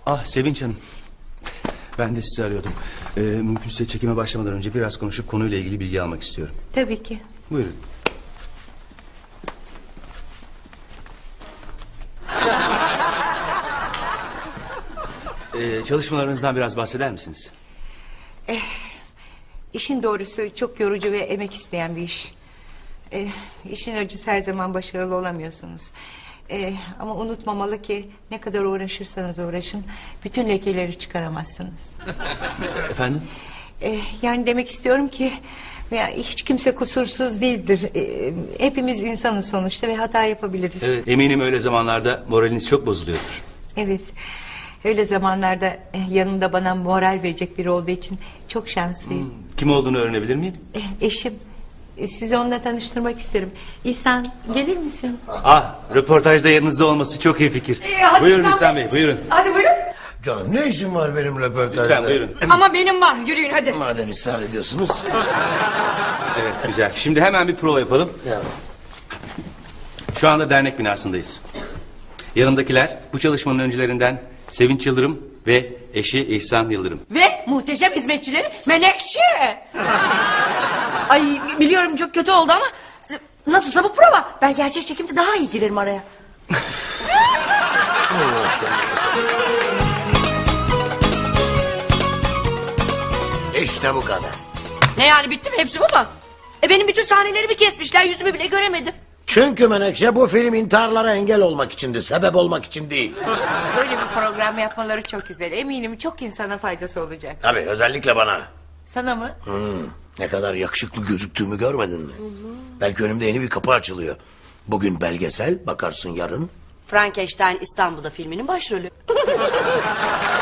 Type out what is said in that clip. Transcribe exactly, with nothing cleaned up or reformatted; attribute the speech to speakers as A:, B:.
A: Ah Sevinç Hanım. Ben de sizi arıyordum. Ee, mümkünse çekime başlamadan önce biraz konuşup konuyla ilgili bilgi almak istiyorum.
B: Tabii ki.
A: Buyurun. Ee, çalışmalarınızdan biraz bahseder misiniz?
B: Eh, işin doğrusu çok yorucu ve emek isteyen bir iş. Eh, işin acısı her zaman başarılı olamıyorsunuz. Eh, ama unutmamalı ki ne kadar uğraşırsanız uğraşın bütün lekeleri çıkaramazsınız.
A: Efendim?
B: Eh, yani demek istiyorum ki veya hiç kimse kusursuz değildir. Eh, hepimiz insanız sonuçta ve hata yapabiliriz.
A: Evet, eminim öyle zamanlarda moraliniz çok bozuluyordur.
B: Evet. Öyle zamanlarda eh, yanımda bana moral verecek biri olduğu için çok şanslıyım.
A: Hmm, kim olduğunu öğrenebilir miyim?
B: Eh, eşim. Eh, sizi onunla tanıştırmak isterim. İhsan gelir misin?
A: Ah, röportajda yanınızda olması çok iyi fikir.
C: Ee, hadi
A: Buyurun
C: İhsan
A: İhsan
C: Bey.
A: Bey, buyurun.
C: Hadi buyurun.
D: Canım ne işin var benim röportajda?
A: Lütfen buyurun.
C: Ama benim var, yürüyün hadi.
D: Madem ısrar ediyorsunuz.
A: Evet, güzel. Şimdi hemen bir prova yapalım.
D: Ya.
A: Şu anda dernek binasındayız. Yanımdakiler bu çalışmanın öncülerinden Sevinç Yıldırım ve eşi İhsan Yıldırım.
C: Ve muhteşem hizmetçileri Menekşe. Ay biliyorum çok kötü oldu ama nasılsa bu prova. Ben gerçek çekimde daha iyi girerim araya.
D: İşte bu kadar.
C: Ne yani bitti mi, hepsi bu mu? E benim bütün sahnelerimi kesmişler, yüzümü bile göremedim.
D: Çünkü Menekşe bu film intiharlara engel olmak içindi. Sebep olmak için değil.
B: Böyle bir program yapmaları çok güzel. Eminim çok insana faydası olacak.
D: Tabii özellikle bana.
B: Sana mı?
D: Hmm, ne kadar yakışıklı gözüktüğümü görmedin mi? Belki önümde yeni bir kapı açılıyor. Bugün belgesel, bakarsın yarın.
C: Frankenstein İstanbul'da filminin başrolü.